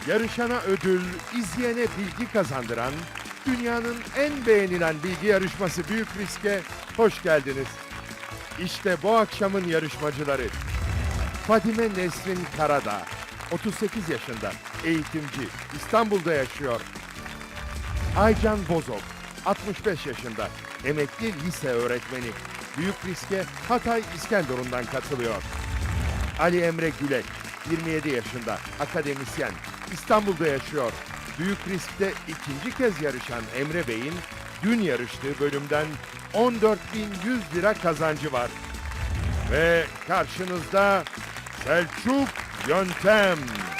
Yarışana ödül, izleyene bilgi kazandıran, dünyanın en beğenilen bilgi yarışması Büyük Risk'e hoş geldiniz. İşte bu akşamın yarışmacıları. Fadime Nesrin Karadağ, 38 yaşında, eğitimci, İstanbul'da yaşıyor. Aycan Bozok, 65 yaşında, emekli lise öğretmeni. Büyük Risk'e Hatay İskenderun'dan katılıyor. Ali Emre Gülek, 27 yaşında, akademisyen, İstanbul'da yaşıyor. Büyük Risk'te ikinci kez yarışan Emre Bey'in dün yarıştığı bölümden 14.100 lira kazancı var. Ve karşınızda Selçuk Yöntem.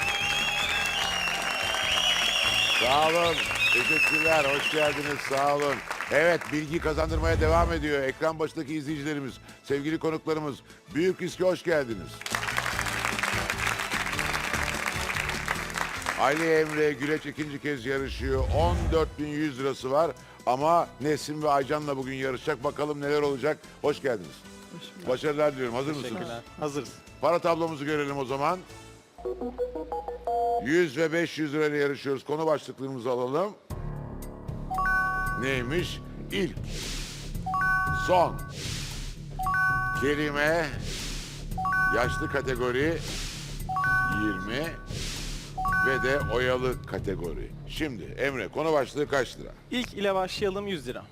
Sağ olun. Teşekkürler. Hoş geldiniz. Sağ olun. Evet, bilgi kazandırmaya devam ediyor. Ekran başındaki izleyicilerimiz, sevgili konuklarımız. Büyük Risk'e hoş geldiniz. Ali Emre Güleç ikinci kez yarışıyor. 14.100 lirası var. Ama Nesim ve Aycan'la bugün yarışacak. Bakalım neler olacak. Hoş geldiniz. Başarılar diliyorum. Hazır mısınız? Teşekkürler. Hazırız. Para tablomuzu görelim o zaman. 100 ve 500 lirayla yarışıyoruz. Konu başlıklarımızı alalım. Neymiş? İlk, son, kelime, yaşlı kategori 20 ve de oyalı kategori. Şimdi Emre, konu başlığı kaç lira? İlk ile başlayalım 100 lira.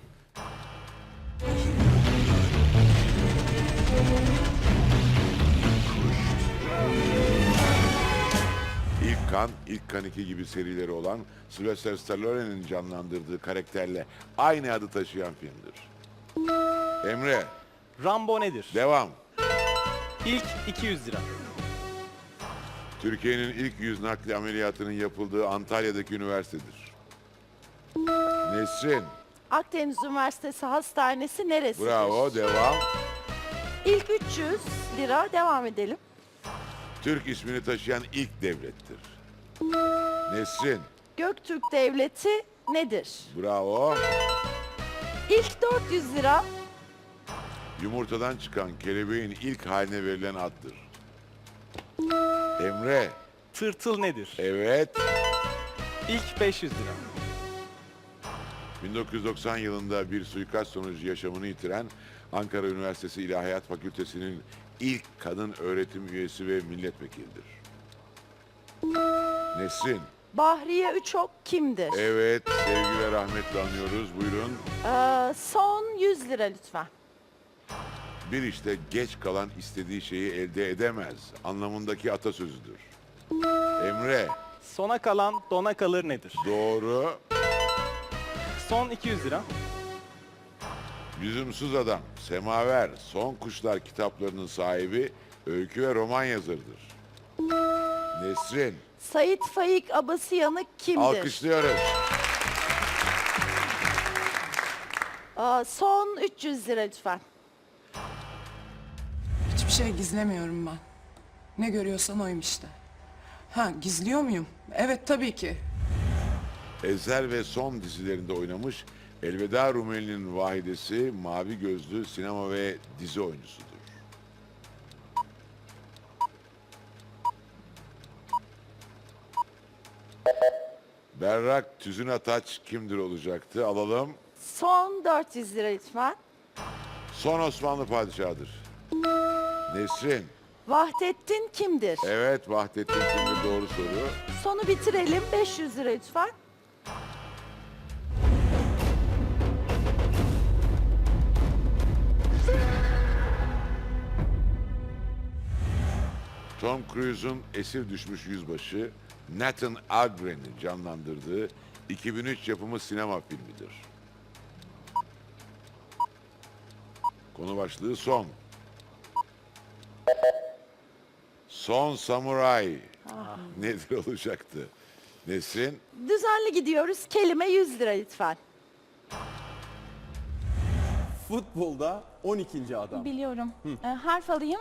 İlk Kan 2 gibi serileri olan Sylvester Stallone'nin canlandırdığı karakterle aynı adı taşıyan filmdir. Emre, Rambo nedir? devam. İlk 200 lira. Türkiye'nin ilk yüz nakli ameliyatının yapıldığı Antalya'daki üniversitedir. Nesrin, Akdeniz Üniversitesi Hastanesi neresidir? bravo, devam. İlk 300 lira, devam edelim. Türk ismini taşıyan ilk devlettir. Nesrin, Göktürk Devleti nedir? bravo. İlk 400 lira. Yumurtadan çıkan kelebeğin ilk haline verilen addır. Emre, Tırtıl nedir? evet. İlk 500 lira. 1990 yılında bir suikast sonucu yaşamını yitiren Ankara Üniversitesi İlahiyat Fakültesi'nin ilk kadın öğretim üyesi ve milletvekilidir. Nesrin, Bahriye Üçok kimdir? evet, sevgi ve rahmetle anıyoruz. Buyurun. Son 100 lira lütfen. Bir işte geç kalan istediği şeyi elde edemez anlamındaki atasözüdür. Emre, Sona kalan dona kalır nedir? doğru. Son 200 lira. Lüzumsuz Adam, Semaver, Son Kuşlar kitaplarının sahibi, öykü ve roman yazarıdır. Nesrin, Sait Faik Abasıyanık kimdir? alkışlıyoruz. Son 300 lira lütfen. Hiçbir şey gizlemiyorum ben. Ne görüyorsan oyum işte. Ha, gizliyor muyum? Evet, tabii ki. Ezel ve Son dizilerinde oynamış, Elveda Rumeli'nin vahidesi, mavi gözlü sinema ve dizi oyuncusudur. Berrak Tüzün Ataç kimdir olacaktı? Alalım. Son 400 lira lütfen. Son Osmanlı padişahıdır. Nesrin, Vahdettin kimdir? evet, Vahdettin kimdir, doğru soru. Sonu bitirelim, 500 lira lütfen. Tom Cruise'un esir düşmüş yüzbaşı Nathan Algren'i canlandırdığı 2003 yapımı sinema filmidir. Konu başlığı son. Son Samuray nedir olacaktı? Nesrin, Düzenli gidiyoruz, kelime 100 lira lütfen. Futbolda 12. adam. Biliyorum. Harf alayım.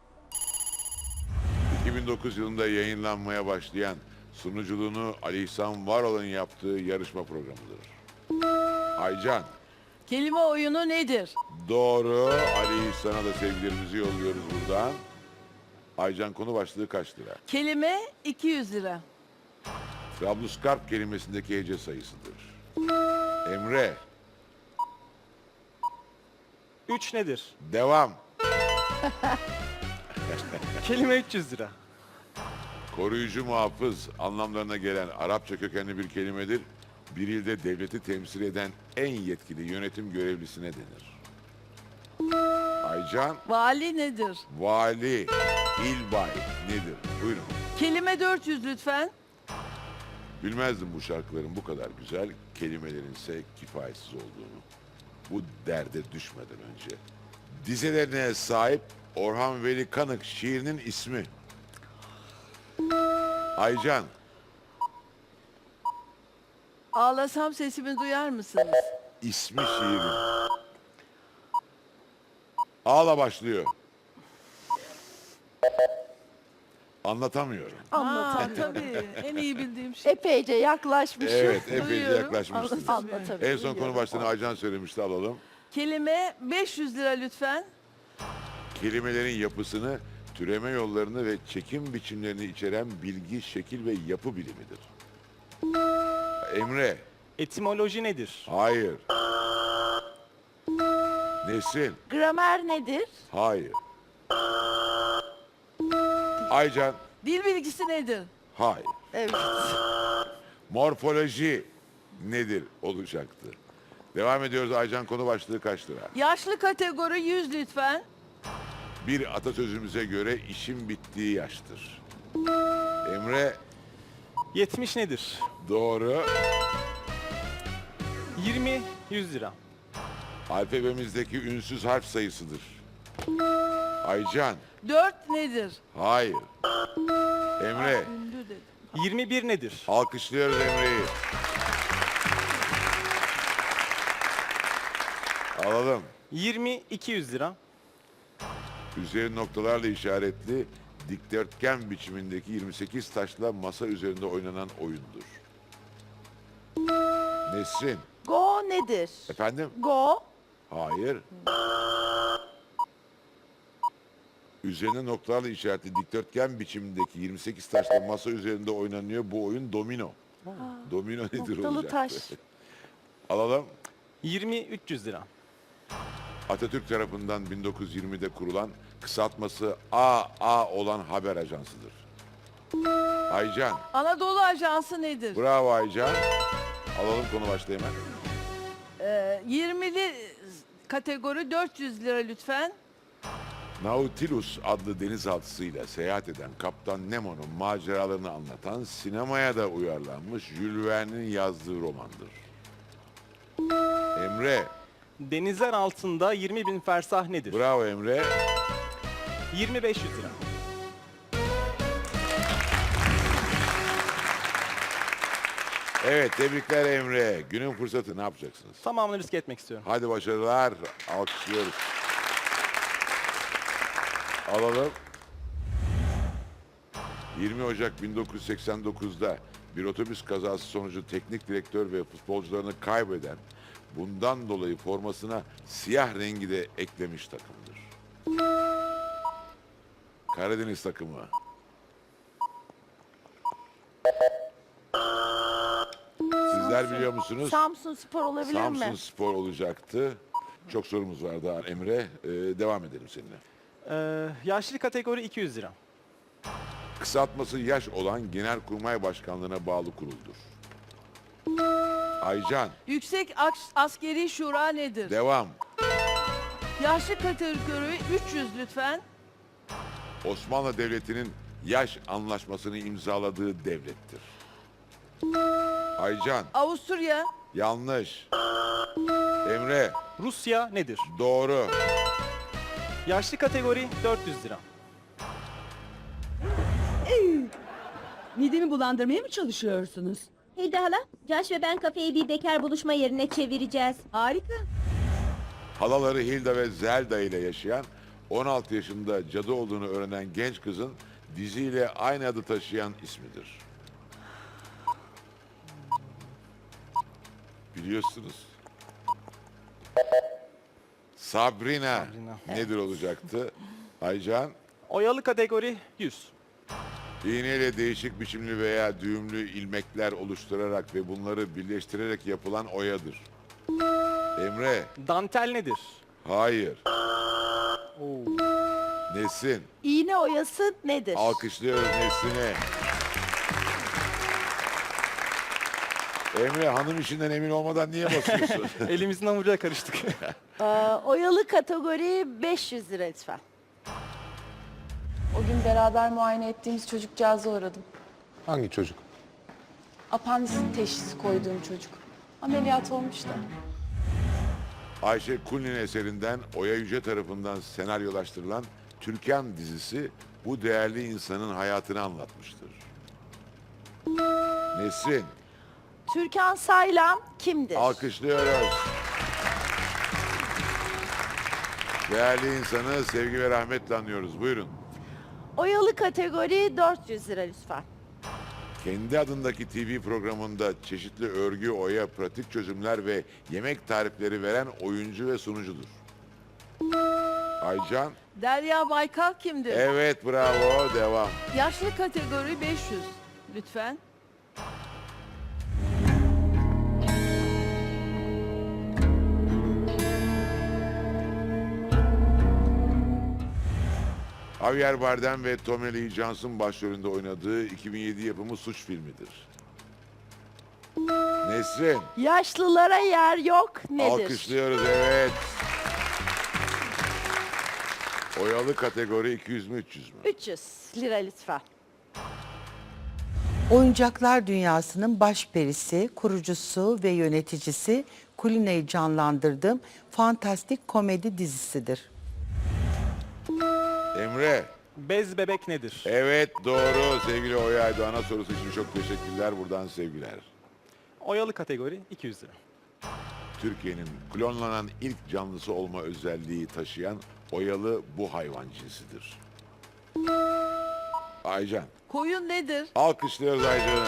2009 yılında yayınlanmaya başlayan, sunuculuğunu Ali İhsan Varol'un yaptığı yarışma programıdır. Aycan, Kelime oyunu nedir? doğru. Ali İhsan'a da sevgilerimizi yolluyoruz buradan. Aycan, konu başlığı kaç lira? Kelime 200 lira. Trablusgarp kelimesindeki hece sayısıdır. Emre, 3 nedir? devam. Kelime 300 lira. Koruyucu muhafız anlamlarına gelen Arapça kökenli bir kelimedir. Bir ilde devleti temsil eden en yetkili yönetim görevlisine denir. Aycan, Vali nedir? vali, ilbay nedir? Buyurun. Kelime 400 lütfen. Bilmezdim bu şarkıların bu kadar güzel, kelimelerin ise kifayetsiz olduğunu. Bu derde düşmeden önce. Dizelerine sahip Orhan Veli Kanık şiirinin ismi. Aycan, Ağlasam sesimi duyar mısınız? ismi şiirin. Ağla başlıyor. Anlatamıyorum. Ha, tabii. En iyi bildiğim şey. Epeyce yaklaşmışım. Evet, epeyce Duyuyorum. yaklaşmışsınız. Anlatabiliyorum. En son konu başlığını Aycan söylemişti, alalım. Kelime 500 lira lütfen. Kelimelerin yapısını, türeme yollarını ve çekim biçimlerini içeren bilgi, şekil ve yapı bilimidir. Emre, Etimoloji nedir? hayır. Nesrin, Gramer nedir? hayır. Aycan, Dil bilgisi nedir? hayır. Evet. Morfoloji nedir olacaktı? Devam ediyoruz. Aycan, konu başlığı kaç lira? Yaşlı kategori 100 lütfen. Bir atasözümüze göre işin bittiği yaştır. Emre, 70 nedir? doğru. 20 100 lira. Alfabemizdeki ünsüz harf sayısıdır. Aycan, 4 nedir? hayır. Emre, Ünlü dedim. 21 nedir? alkışlıyoruz Emre'yi. Alalım. 20 200 lira. Üzeri noktalarla işaretli dikdörtgen biçimindeki 28 taşla masa üzerinde oynanan oyundur. Nesrin, Go nedir? efendim? Go. Hayır. Üzerine noktalarla işaretli dikdörtgen biçimindeki 28 taşla masa üzerinde oynanıyor. Bu oyun domino. Domino nedir Noktalı olacak? taş. Alalım. 20 300 lira. Atatürk tarafından 1920'de kurulan, kısaltması AA olan haber ajansıdır. Aycan. Anadolu Ajansı nedir? Bravo Aycan. Alalım konu başlığı hemen. 20'li kategori 400 lira lütfen. Nautilus adlı denizaltısıyla seyahat eden Kaptan Nemo'nun maceralarını anlatan, sinemaya da uyarlanmış Jules Verne'in yazdığı romandır. Emre. Denizler altında 20 bin fersah nedir? Bravo Emre. 20 500 lira. Evet, tebrikler Emre. Günün fırsatı, ne yapacaksınız? Tamamını riske etmek istiyorum. Hadi başarılar. Alkışlıyoruz. Alalım. 20 Ocak 1989'da bir otobüs kazası sonucu teknik direktör ve futbolcularını kaybeden, bundan dolayı formasına siyah rengi de eklemiş takımdır. Karadeniz takımı. Sizler biliyor musunuz? Samsun Spor olabilir Samsun mi? Spor olacaktı. Çok sorumuz var daha Emre. Devam edelim seninle. Yaşlı kategori 200 lira. Kısaltması yaş olan Genelkurmay Başkanlığı'na bağlı kuruldur. Aycan, Yüksek Askeri Şura nedir? devam. Yaşlı kategori 300 lütfen. Osmanlı Devleti'nin yaş anlaşmasını imzaladığı devlettir. Aycan, Avusturya. yanlış. Emre, Rusya nedir? doğru. Yaşlı kategori 400 lira. Midemi bulandırmaya mı çalışıyorsunuz? Hilda hala, Josh ve ben kafeyi bir bekar buluşma yerine çevireceğiz. Harika. Halaları Hilda ve Zelda ile yaşayan, 16 yaşında cadı olduğunu öğrenen genç kızın diziyle aynı adı taşıyan ismidir. Biliyorsunuz. Sabrina, nedir olacaktı? Aycan, Oyalı kategori 100. İğneyle değişik biçimli veya düğümlü ilmekler oluşturarak ve bunları birleştirerek yapılan oyadır. Emre, Dantel nedir? hayır. Nesin, İğne oyası nedir? alkışlıyoruz Nesin'e. Emre, hanım işinden emin olmadan niye basıyorsun? Elimizin hamuruyla karıştık. Oyalı kategori 500 lira lütfen. O gün beraber muayene ettiğimiz çocukcağıza uğradım. Hangi çocuk? Apandisit teşhisi koyduğum çocuk. Ameliyat olmuş da. Ayşe Kulin eserinden Oya Yüce tarafından senaryolaştırılan Türkan dizisi bu değerli insanın hayatını anlatmıştır. Nesrin, Türkan Saylan kimdir? alkışlıyoruz. Değerli insanı sevgi ve rahmetle anıyoruz. Buyurun. Oyalı kategori 400 lira lütfen. Kendi adındaki TV programında çeşitli örgü, oya, pratik çözümler ve yemek tarifleri veren oyuncu ve sunucudur. Aycan, Derya Baykal kimdir? evet bravo, devam. Yaşlı kategori 500 lütfen. Javier Bardem ve Tommy Lee Jones'un başrolünde oynadığı 2007 yapımı suç filmidir. Nesrin, Yaşlılara yer yok nedir? alkışlıyoruz, evet. Oyalı kategori 200 mü 300 mü? 300 lira lütfen. Oyuncaklar dünyasının başperisi, kurucusu ve yöneticisi Kulina'yı canlandırdığım fantastik komedi dizisidir. Emre, Bez bebek nedir? evet doğru sevgili Oya Aydoğan'a sorusu için çok teşekkürler. Buradan sevgiler. Oyalı kategori 200 lira. Türkiye'nin klonlanan ilk canlısı olma özelliği taşıyan oyalı bu hayvan cinsidir. Aycan. Koyun nedir? Alkışlıyoruz Aycan'ı.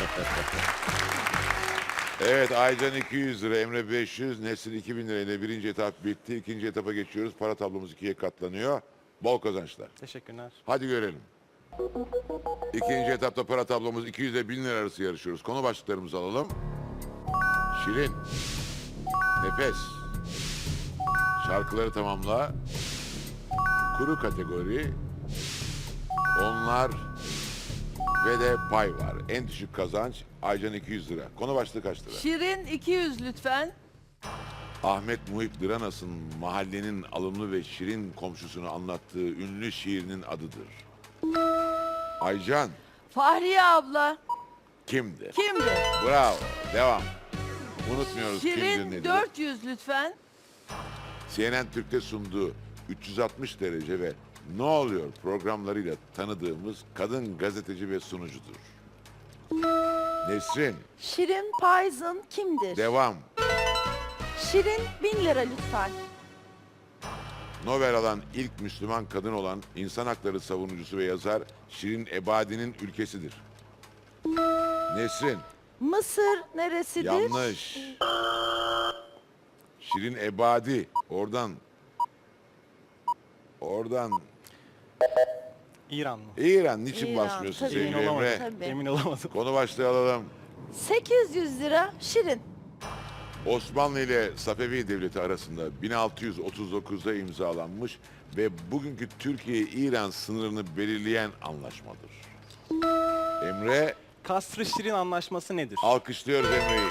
Evet, Aycan 200 lira, Emre 500, Nesrin 2000 lirayla birinci etap bitti. İkinci etapa geçiyoruz. Para tablomuz ikiye katlanıyor. Bol kazançlar. Teşekkürler. Hadi görelim. İkinci etapta para tablomuz 200 ile 1000 lira arası yarışıyoruz. Konu başlıklarımızı alalım. Şirin. Nefes. Şarkıları tamamla. Kuru kategori. Onlar ve de pay var. En düşük kazanç Aycan 200 lira. Konu başlığı kaç lira? Şirin 200 lütfen. Ahmet Muhip Dıranas'ın mahallenin alımlı ve şirin komşusunu anlattığı ünlü şiirinin adıdır. Aycan Fahriye abla kimdir? kimdir? Bravo. Devam. Unutmuyoruz kimdir Şirin nedir. 400 lütfen. CNN Türk'te sunduğu 360 derece ve Ne Oluyor programlarıyla tanıdığımız kadın gazeteci ve sunucudur. Nesrin, Şirin Payzın kimdir? devam. Şirin 1000 lira lütfen. Nobel alan ilk Müslüman kadın olan insan hakları savunucusu ve yazar Şirin Ebadi'nin ülkesidir. Nesrin, Mısır neresidir? yanlış. Şirin Ebadi, oradan. İran mı? İran, niçin İran, basmıyorsun tabii. sevgili Emin olamadım. Emre? Tabii. Emin olamadım. Konu başlığı alalım. 800 lira Şirin. Osmanlı ile Safevi Devleti arasında 1639'da imzalanmış ve bugünkü Türkiye-İran sınırını belirleyen anlaşmadır. Emre, Kasr-ı Şirin anlaşması nedir? alkışlıyoruz Emre'yi.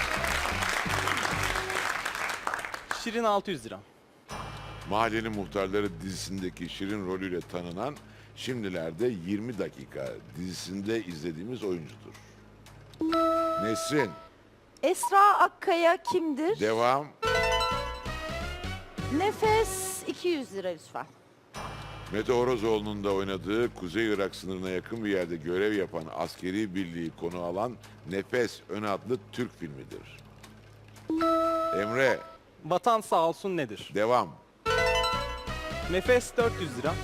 Şirin 600 lira. Mahallenin Muhtarları dizisindeki Şirin rolüyle tanınan, şimdilerde 20 dakika dizisinde izlediğimiz oyuncudur. Nesrin, Esra Akkaya kimdir? devam. Nefes 200 lira lütfen. Mete Orozoğlu'nun da oynadığı Kuzey Irak sınırına yakın bir yerde görev yapan askeri birliği konu alan Nefes Ön adlı Türk filmidir. Emre, Vatan sağ olsun nedir? devam. Nefes 400 lira.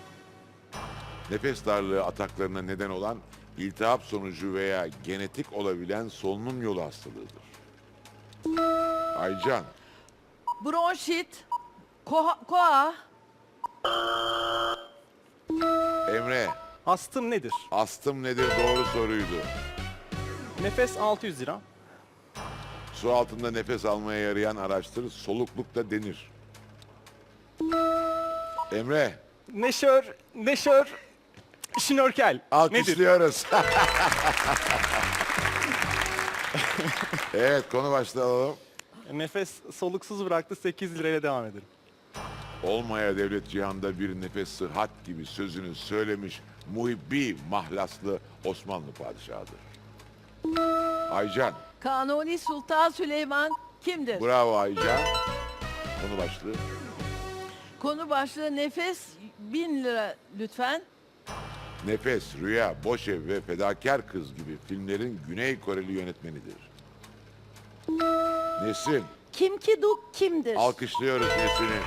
Nefes darlığı ataklarına neden olan iltihap sonucu veya genetik olabilen solunum yolu hastalığıdır. Aycan, Bronşit. Koa. Emre, Astım nedir? Astım nedir? Doğru soruydu. Nefes 600 lira. Su altında nefes almaya yarayan araçtır. Solukluk da denir. Emre, Neşör, şnorkel. Nedir? alkışlıyoruz. Evet, konu başlığı alalım. Nefes soluksuz bıraktı, 8 lirayla devam edelim. Olmaya devlet cihanda bir nefes sıhhat gibi sözünü söylemiş muhibbi mahlaslı Osmanlı padişahıdır. Aycan, Kanuni Sultan Süleyman kimdir? bravo Aycan. Konu başlığı. Konu başlığı nefes 1000 lira lütfen. Nefes, Rüya, Boş Ev ve Fedakar Kız gibi filmlerin Güney Koreli yönetmenidir. Nesrin, Kim Ki Duk kimdir? alkışlıyoruz Nesrin'i.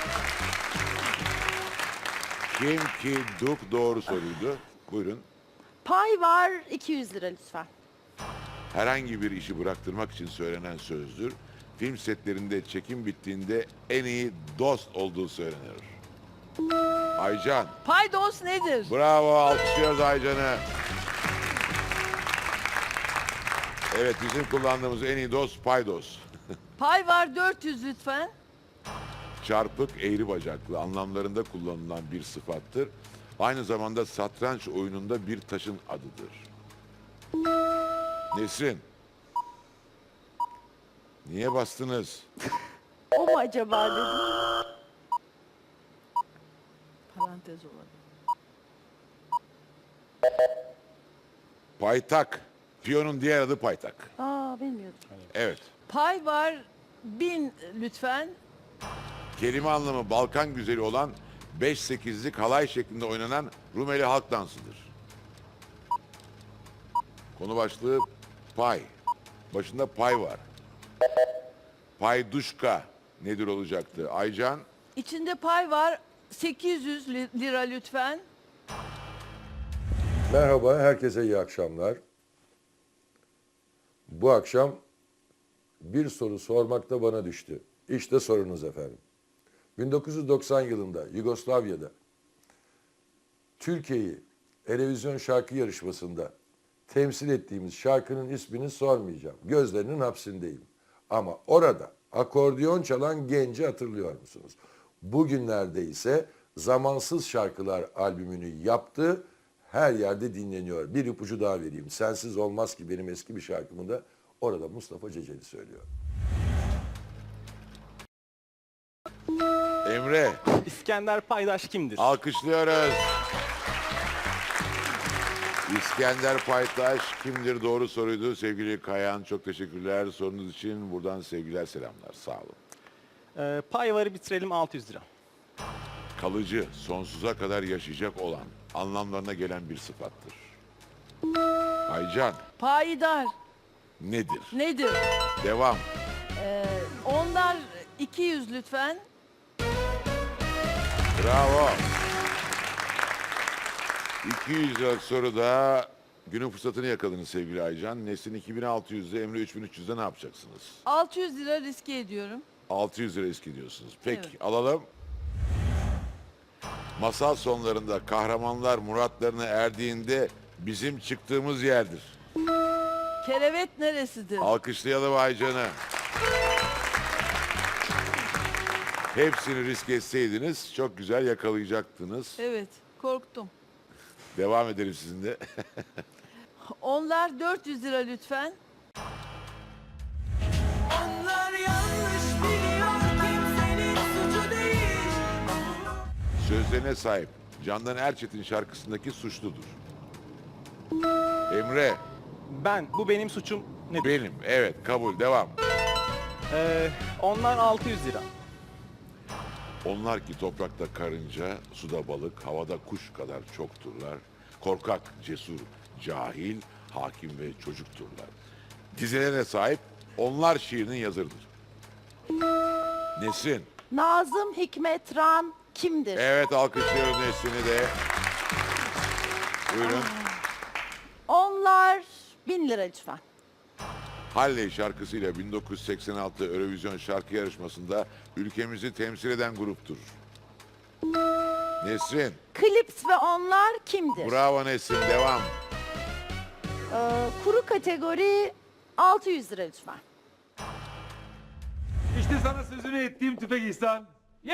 Kim Ki Duk doğru soruydu. Buyurun. Pay var 200 lira lütfen. Herhangi bir işi bıraktırmak için söylenen sözdür. Film setlerinde çekim bittiğinde en iyi dost olduğu söylenir. Aycan, Paydos nedir? bravo, alkışlıyoruz Aycan'ı. Evet, bizim kullandığımız en iyi dost paydos. Pay var 400 lütfen. Çarpık, eğri bacaklı anlamlarında kullanılan bir sıfattır. Aynı zamanda satranç oyununda bir taşın adıdır. Nesrin, niye bastınız? O mu acaba dedim. Parantez olabilir. Paytak. Piyonun diğer adı paytak. Aa bilmiyordum. Evet. Pay var 1000 lütfen. Kelime anlamı Balkan güzeli olan 5-8'lik halay şeklinde oynanan Rumeli halk dansıdır. Konu başlığı pay. Başında pay var. Payduşka nedir olacaktı? Aycan, İçinde pay var 800 lira lütfen. Merhaba, herkese iyi akşamlar. Bu akşam bir soru sormak da bana düştü. İşte sorunuz efendim. 1990 yılında Yugoslavya'da Türkiye'yi Erevizyon şarkı yarışmasında temsil ettiğimiz şarkının ismini sormayacağım. Gözlerinin hapsindeyim. Ama orada akordeon çalan genci hatırlıyor musunuz? Bugünlerde ise Zamansız Şarkılar albümünü yaptı. Her yerde dinleniyor. Bir ipucu daha vereyim. Sensiz Olmaz Ki benim eski bir şarkımı da orada Mustafa Ceceli söylüyor. Emre, İskender Paydaş kimdir? alkışlıyoruz. İskender Paytaş kimdir? Doğru soruydu. Sevgili Kayan, çok teşekkürler sorunuz için. Buradan sevgiler, selamlar. Sağ olun. Pay varı bitirelim, 600 lira. Kalıcı, sonsuza kadar yaşayacak olan anlamlarına gelen bir sıfattır. Aycan, Payidar nedir? nedir? Devam. Onlar 200 lütfen. Bravo. 200 liralık soruda günün fırsatını yakaladınız sevgili Aycan. Nesin 2600'de, Emre 3300'de ne yapacaksınız? 600 lira riske ediyorum. 600 lira risk ediyorsunuz. Peki, Evet. alalım. Masal sonlarında kahramanlar muratlarına erdiğinde bizim çıktığımız yerdir. Kerevet neresidir? Alkışlayalım Aycan'ı. Hepsini risk etseydiniz çok güzel yakalayacaktınız. Evet, korktum. Devam edelim sizinle. Onlar 400 lira lütfen. Sözlerine sahip Candan Erçetin şarkısındaki suçludur. Emre, Bu benim suçum nedir? benim. Evet, kabul. Devam. Onlar 600 lira. Onlar ki toprakta karınca, suda balık, havada kuş kadar çokturlar. Korkak, cesur, cahil, hakim ve çocukturlar. Dizelerine sahip onlar şiirinin yazarıdır. Nesrin. Nazım Hikmet Ran kimdir? Evet, alkışlıyoruz Nesrin'i de. Buyurun. Onlar 1000 lira lütfen. Halley şarkısıyla 1986 Eurovision şarkı yarışmasında ülkemizi temsil eden gruptur. Nesrin. Klips ve onlar kimdir? Bravo Nesrin. Devam. Kuru kategori 600 lira lütfen. İşte sana sözünü ettiğim tüfek İhsan.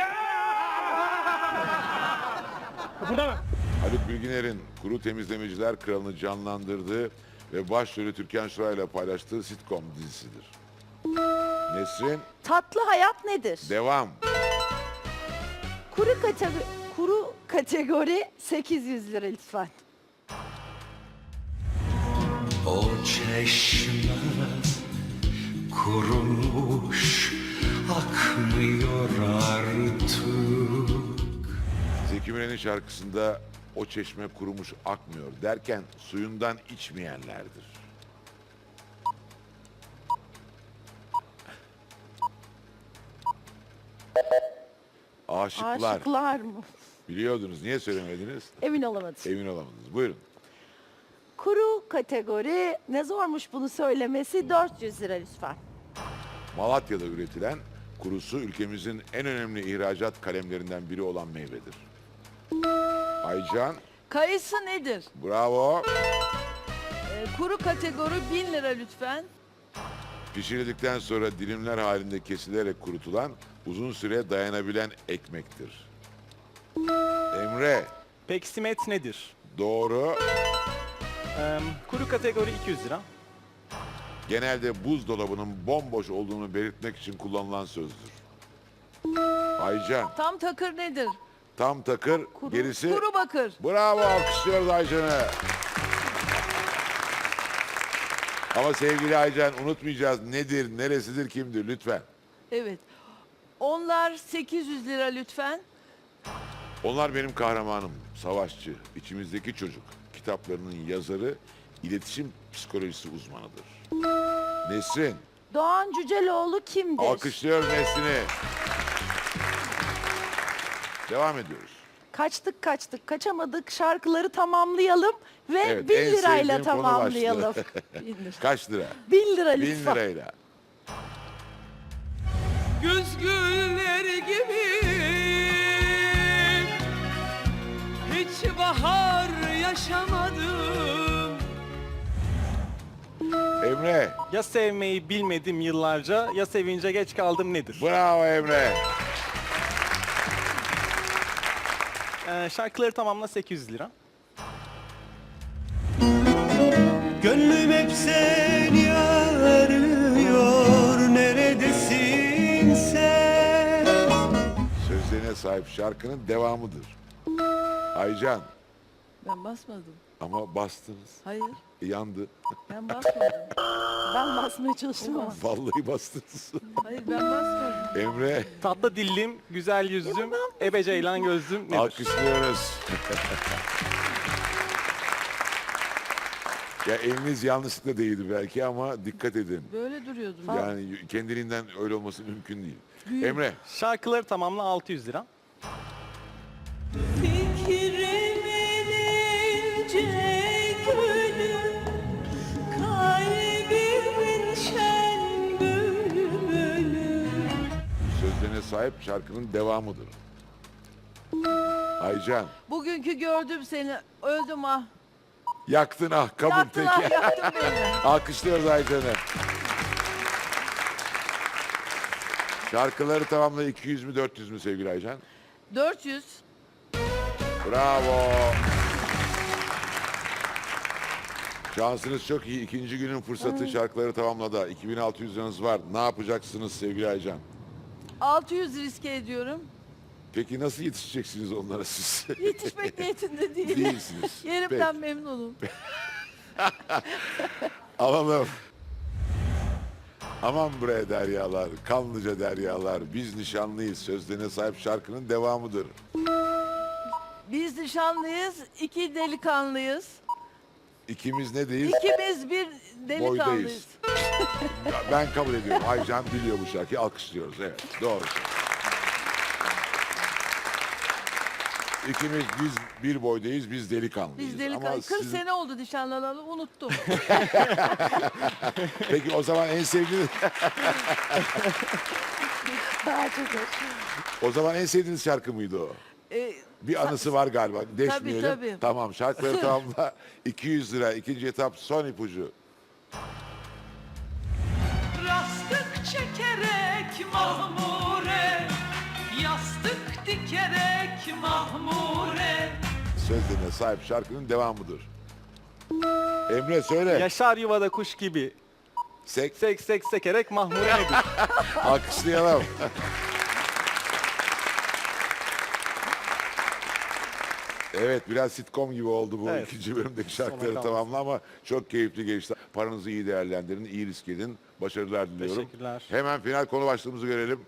Haluk Bilginer'in Kuru Temizlemeciler Kralı'nı canlandırdığı ve başrolü Türkan Şoray ile paylaştığı sitcom dizisidir. Nesrin. Tatlı hayat nedir? Devam. Kuru kategori 800 lira lütfen. O çeşme kurumuş akmıyor artık. Zeki Müren'in şarkısında o çeşme kurumuş akmıyor derken suyundan içmeyenlerdir. Aşıklar. Aşıklar mı? Biliyordunuz. Niye söylemediniz? Emin olamadım. Emin olamadınız. Buyurun. Kuru kategori ne zormuş bunu söylemesi 400 lira lütfen. Malatya'da üretilen kurusu ülkemizin en önemli ihracat kalemlerinden biri olan meyvedir. Aycan. Kayısı nedir? Bravo. Kuru kategori 1000 lira lütfen. Pişirildikten sonra dilimler halinde kesilerek kurutulan, uzun süre dayanabilen ekmektir. Emre. Peksimet nedir? Doğru. Kuru kategori 200 lira. Genelde buzdolabının bomboş olduğunu belirtmek için kullanılan sözdür. Aycan. Tam takır nedir? Tam takır, gerisi... Kuru bakır. Bravo, alkışlıyoruz Aycan'ı. Ama sevgili Aycan, unutmayacağız nedir, neresidir, kimdir lütfen. Evet. Onlar 800 lira lütfen. Onlar benim kahramanım, savaşçı, içimizdeki çocuk. Kitaplarının yazarı, iletişim psikolojisi uzmanıdır. Nesrin. Doğan Cüceloğlu kimdir? Alkışlıyoruz Nesrin'i. Devam ediyoruz. Kaçtık kaçamadık şarkıları tamamlayalım ve Evet, 1000 en lirayla sevdiğim konu tamamlayalım. Kaç lira? 1000 lira 1000 lütfen. lirayla. Güz gülleri gibi hiç bahar yaşamadım. Emre. Ya sevmeyi bilmedim yıllarca ya sevince geç kaldım nedir? Bravo Emre. Şarkıları tamamla 800 lira. Gönlüm hep seni arıyor, neredesin sen? Sözlerine sahip şarkının devamıdır. Aycan. Ben basmadım. Ama bastınız. Hayır. Yandı. Ben basmadım. Ben basmaya çalıştım ama. Vallahi bastınız. Hayır ben basmadım. Emre. Tatlı dillim, güzel yüzüm, ebe ceylan gözlüm nedir? Alkışlıyoruz. Ya eliniz yanlışlıkla değildi belki ama dikkat edin. Böyle duruyordum. Yani kendiliğinden öyle olması mümkün değil. Emre. Şarkıları tamamla 600 lira. Fikrimin ince gülü, kalbimin şen bülbülü. Sözlerine sahip şarkının devamıdır. Aycan. Bugünkü gördüm seni. Öldüm ah. Yaktın ah kabul Yaktın peki. ah yaktın beni. Alkışlıyoruz Aycan'ı. Şarkıları tamamla 200 mü 400 mü sevgili Aycan? 400. Bravo. Şansınız çok iyi. İkinci günün fırsatı şarkıları tamamladı. 2600 liranız var. Ne yapacaksınız sevgili Aycan? 600 riske ediyorum. Peki nasıl yetişeceksiniz onlara siz? Yetişmek niyetinde değilim. Değilsiniz. Yerimden memnunum. Alalım. Aman bre deryalar, kanlıca deryalar, biz nişanlıyız. Sözlerine sahip şarkının devamıdır. Biz nişanlıyız, 2 delikanlıyız. İkimiz ne değil? İkimiz bir delikanlıyız. Boydayız. Ben kabul ediyorum. Aycan biliyor bu şarkıyı. Alkışlıyoruz. Evet. Doğru. İkimiz biz bir boydayız. Biz delikanlıyız. Biz delikanlı. Ama 40 sizin- sene oldu nişanlanalı unuttum. Peki o zaman en sevdiğiniz... Daha çok hoş. O zaman en sevdiğiniz şarkı mıydı o? Bir anısı var galiba. Deşmeyelim. tabii. Tamam, şarkıları tamamla. 200 lira. İkinci etap son ipucu. Rastık çekerek mahmure, yastık dikerek mahmure. Sözlerine sahip şarkının devamıdır. Emre söyle. Yaşar yuvada kuş gibi. Sek. Sek sek sekerek mahmure nedir? Alkışlayalım. Evet, biraz sitcom gibi oldu bu Evet. ikinci bölümdeki şarkıları Sona tamamla ama çok keyifli geçti. Paranızı iyi değerlendirin, iyi risk edin. Başarılar diliyorum. Teşekkürler. Hemen final konu başlığımızı görelim.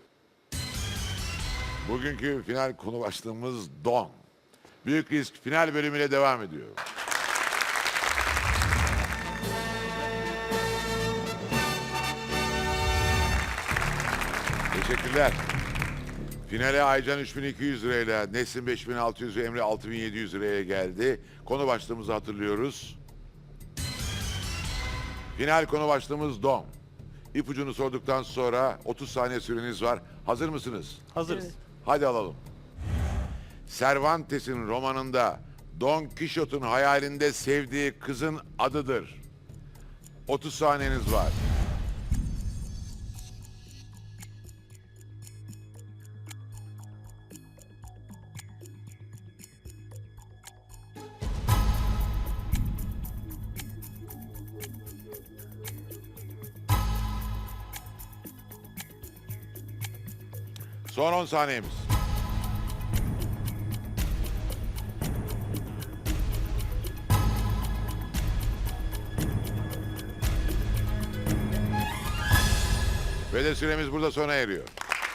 Bugünkü final konu başlığımız don. Büyük risk final bölümüyle devam ediyor. Teşekkürler. Finale Aycan 3200 lirayla, Nesin 5600 ve Emre 6700 liraya geldi. Konu başlığımızı hatırlıyoruz. Final konu başlığımız don. İpucunu sorduktan sonra 30 saniye süreniz var. Hazır mısınız? Hazırız. Hadi alalım. Cervantes'in romanında Don Quixote'un hayalinde sevdiği kızın adıdır. 30 saniyeniz var. Son 10 saniyemiz. Ve de süremiz burada sona eriyor.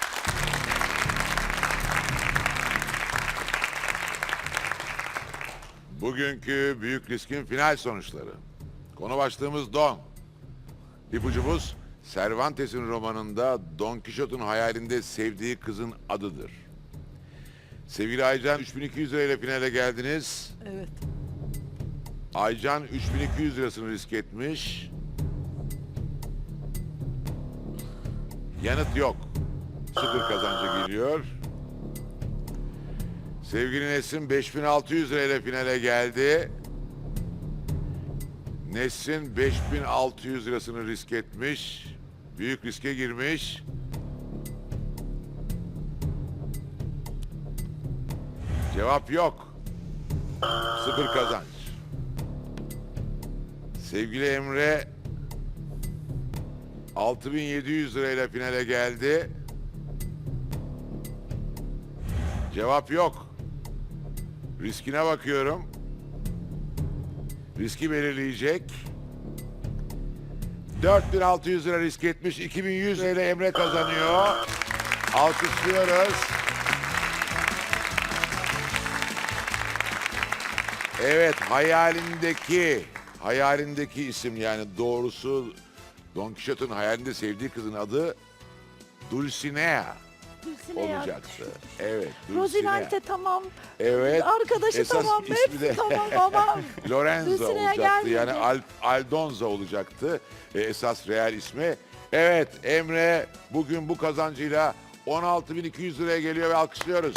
Bugünkü büyük riskin final sonuçları. Konu başlığımız Don. İpucumuz Cervantes'in romanında Don Quixote'un hayalinde sevdiği kızın adıdır. Sevgili Aycan 3200 lirayla finale geldiniz. Evet. Aycan 3200 lirasını risk etmiş. Yanıt yok. Sıfır kazancı geliyor. Sevgili Nesin 5600 lirayla finale geldi. Nesin 5600 lirasını risk etmiş. Büyük riske girmiş. Cevap yok. Sıfır kazanç. Sevgili Emre 6700 lirayla finale geldi. Cevap yok. Riskine bakıyorum. Riski belirleyecek. 4600 lira risk etmiş. 2100 lirayla Emre kazanıyor. Alkışlıyoruz. Evet, hayalindeki isim, yani doğrusu Don Quixote'un hayalinde sevdiği kızın adı Dulcinea Dulcinea. olacaktı. Evet, Rozinante tamam. Evet. Arkadaşı esas tamam. ismi Hepsi de tamam ama Lorenzo Dulcinea olacaktı. gelmedi. Yani Aldonza olacaktı. Esas real ismi. Evet, Emre bugün bu kazancıyla 16.200 liraya geliyor ve alkışlıyoruz.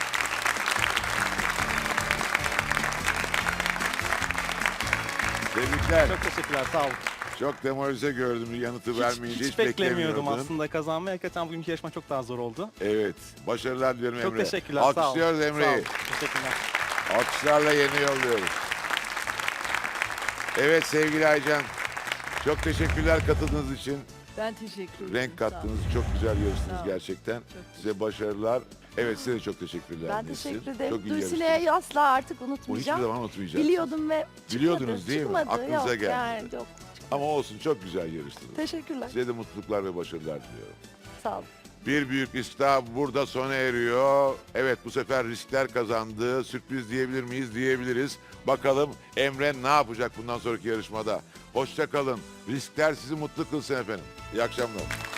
Tebrikler. Çok teşekkürler, sağ olun. Çok demoralize gördüm yanıtı vermeyince. Hiç beklemiyordum beklemiyordun. aslında kazanmayı. Hakikaten bugünkü yarışma çok daha zor oldu. Evet. Başarılar diliyorum Çok Emre. teşekkürler, sağ olun. Alkışlıyoruz Sağ Emre'yi. olun, teşekkürler. Alkışlarla yeni yolluyoruz. Evet sevgili Aycan. Çok teşekkürler katıldığınız için. Ben teşekkür ederim. Renk Sağ olun. kattınız. Çok güzel yarıştınız Sağ olun. gerçekten. Size başarılar. Evet size de çok teşekkürler. ben Nesin. teşekkür ederim. Çok iyi yarıştınız. Dulcinea'yı asla artık Bu hiçbir unutmayacağım. zaman unutmayacağız. Biliyordum ve çıkmadı. Biliyordunuz değil mi? Çıkmadı. Aklınıza Yok, geldi. Yani, yok. Ama olsun, çok güzel yarıştınız. Teşekkürler. Size de mutluluklar ve başarılar diliyorum. Sağ olun. Bir büyük risk daha burada sona eriyor. Evet, bu sefer riskler kazandı. Sürpriz diyebilir miyiz? Diyebiliriz. Bakalım Emre ne yapacak bundan sonraki yarışmada? Hoşça kalın. Riskler sizi mutlu kılsın efendim. İyi akşamlar.